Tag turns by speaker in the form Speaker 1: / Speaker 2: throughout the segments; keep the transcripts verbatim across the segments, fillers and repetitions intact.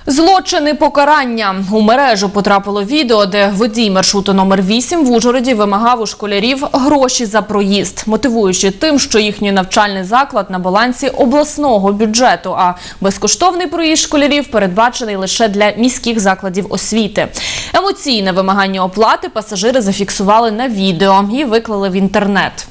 Speaker 1: Злочини покарання. У мережу потрапило відео, де водій маршруту номер вісім в Ужгороді вимагав у школярів гроші за проїзд, мотивуючи тим, що їхній навчальний заклад на балансі обласного бюджету, а безкоштовний проїзд школярів передбачений лише для міських закладів освіти. Емоційне вимагання оплати пасажири зафіксували на відео і виклали в інтернет.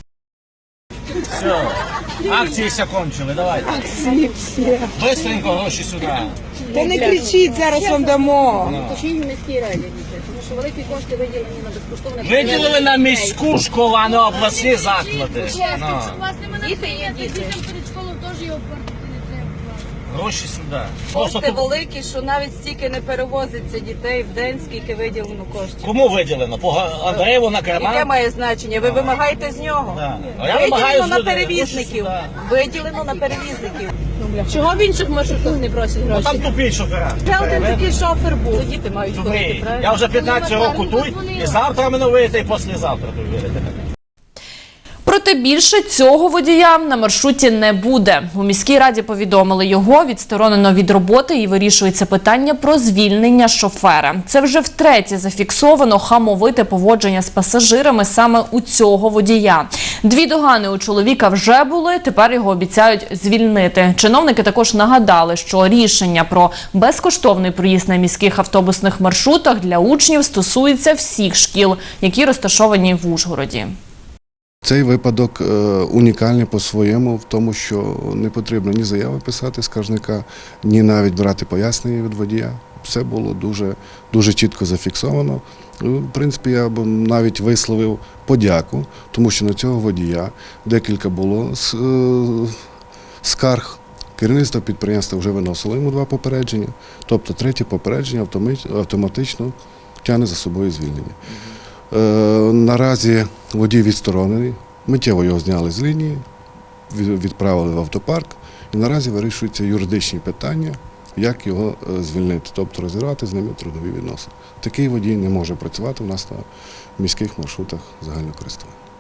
Speaker 2: Все, акції все кончили, давайте.
Speaker 3: Акції всі.
Speaker 2: Бистренько гроші сюди.
Speaker 3: Та не кричіть, зараз вам дамо.
Speaker 4: Точніше в міській раді, тому що великі кошти виділені на безкоштовне.
Speaker 2: Виділили на міську школу, а не обласні заклади. Ну.
Speaker 5: Власне, мене
Speaker 4: Діти є
Speaker 5: діти.
Speaker 4: діти.
Speaker 5: Дітям перед школою теж його платити не треба.
Speaker 2: Гроші сюди. Просто
Speaker 3: Кошти
Speaker 2: тут
Speaker 3: великі, що навіть стільки не перевозиться дітей в день, скільки виділено коштів.
Speaker 2: кому виділено? По Андреєву на
Speaker 3: Яке
Speaker 2: Креман?
Speaker 3: має значення? Ви вимагаєте з нього?
Speaker 2: Да. А я вимагаю
Speaker 3: Виділено
Speaker 2: з
Speaker 3: на
Speaker 2: людей.
Speaker 3: перевізників.
Speaker 2: Гроші
Speaker 3: Виділено на перевізників.
Speaker 4: Чого в інших маршрутах не просять
Speaker 2: сюди.
Speaker 4: гроші?
Speaker 2: Там тупі шофера.
Speaker 3: Ще один такий шофер був. Діти мають ходити,
Speaker 2: Тупі.
Speaker 3: правильно?
Speaker 2: Я вже п'ятнадцять років тут, і завтра мене вийти, і післязавтра тут вийти.
Speaker 1: Проте більше цього водія на маршруті не буде. У міській раді повідомили, його відсторонено від роботи і вирішується питання про звільнення шофера. Це вже втретє зафіксовано хамовите поводження з пасажирами саме у цього водія. Дві догани у чоловіка вже були, тепер його обіцяють звільнити. Чиновники також нагадали, що рішення про безкоштовний проїзд на міських автобусних маршрутах для учнів стосується всіх шкіл, які розташовані в Ужгороді.
Speaker 6: Цей випадок е, унікальний по-своєму в тому, що не потрібно ні заяви писати скаржника, ні навіть брати пояснення від водія. Все було дуже, дуже чітко зафіксовано. В принципі, я б навіть висловив подяку, тому що на цього водія декілька було е, скарг. Керівництво підприємства вже виносило йому два попередження, тобто третє попередження автоматично тягне за собою звільнення. Е, наразі водій відсторонений, миттєво його зняли з лінії, відправили в автопарк і наразі вирішуються юридичні питання, як його е, звільнити, тобто розірвати з ними трудові відносини. Такий водій не може працювати у нас на міських маршрутах загального користування.